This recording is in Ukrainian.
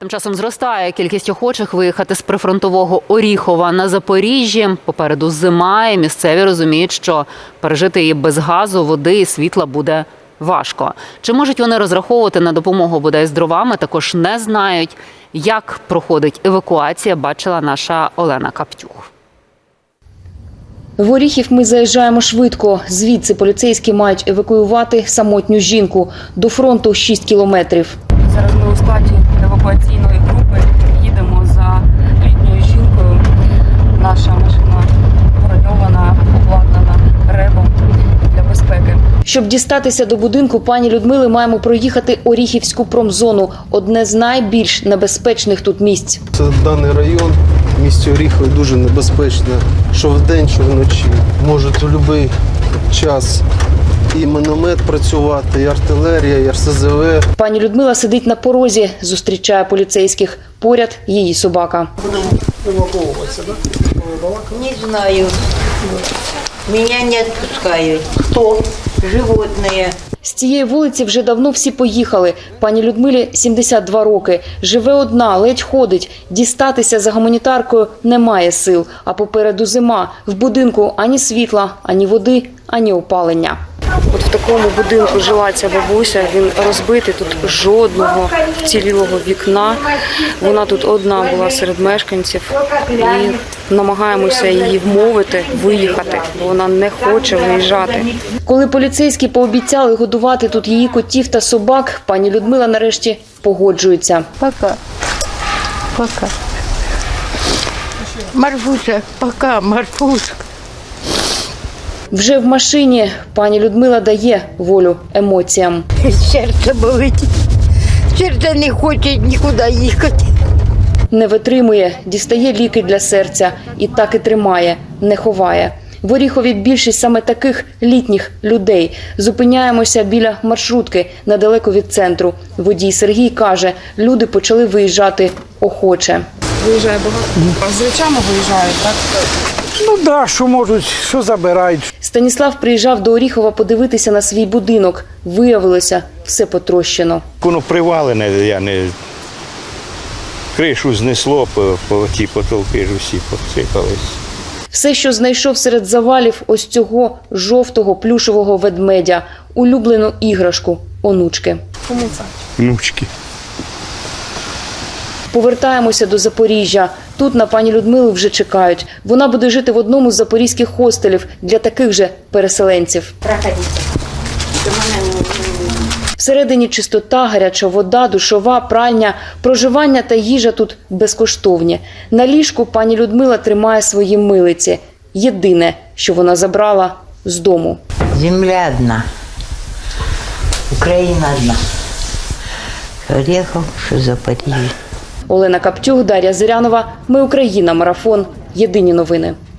Тим часом зростає кількість охочих виїхати з прифронтового Оріхова на Запоріжжя. Попереду зима, і місцеві розуміють, що пережити її без газу, води і світла буде важко. Чи можуть вони розраховувати на допомогу бодай з дровами, також не знають. Як проходить евакуація, бачила наша Олена Каптюх. В Оріхів ми заїжджаємо швидко. Звідси поліцейські мають евакуювати самотню жінку. До фронту 6 кілометрів. Зараз ми у складі евакуаційної групи їдемо за літньою жінкою. Наша машина броньована, обладнана ребом для безпеки. Щоб дістатися до будинку пані Людмили, маємо проїхати Оріхівську промзону – одне з найбільш небезпечних тут місць. Це даний район в місті Оріхові дуже небезпечно, що вдень, що вночі. Можуть у будь-який час і міномет працювати, і артилерія, і РСЗВ. Пані Людмила сидить на порозі, зустрічає поліцейських. Поряд її собака. Будемо евакуюватися, так? Не знаю. Меня не отпускают. Хто? Животные. З цієї вулиці вже давно всі поїхали. Пані Людмилі 72 роки. Живе одна, ледь ходить. Дістатися за гуманітаркою немає сил. А попереду зима. В будинку ані світла, ані води, ані опалення. От в такому будинку жила ця бабуся, він розбитий, тут жодного вцілілого вікна. Вона тут одна була серед мешканців і намагаємося її вмовити виїхати, бо вона не хоче виїжджати. Коли поліцейські пообіцяли годувати тут її котів та собак, пані Людмила нарешті погоджується. Пока. Пока. Марфуша, пока, Марфушка. Вже в машині пані Людмила дає волю емоціям. Серце болить. Серце не хоче нікуди їхати. Не витримує, дістає ліки для серця і так і тримає, не ховає. В Оріхові більшість саме таких літніх людей. Зупиняємося біля маршрутки, недалеко від центру. Водій Сергій каже, люди почали виїжджати охоче. Виїжджає багато. А з речами виїжджають, так? Ну да, що можуть, що забирають. Станіслав приїжджав до Оріхова подивитися на свій будинок. Виявилося, все потрощено. Воно привалене, я не... Кришу знесло, по ті потолки ж усі посипались. Все, що знайшов серед завалів ось цього жовтого плюшевого ведмедя. Улюблену іграшку онучки. Кому це? Внучки. Повертаємося до Запоріжжя. Тут на пані Людмилу вже чекають. Вона буде жити в одному з запорізьких хостелів для таких же переселенців. Всередині чистота, гаряча вода, душова, пральня, проживання та їжа тут безкоштовні. На ліжку пані Людмила тримає свої милиці. Єдине, що вона забрала з дому. Земля одна. Україна одна. Оріхов, що Запоріжжя. Олена Каптюх, Дар'я Зирянова. Ми Україна. Марафон. Єдині новини.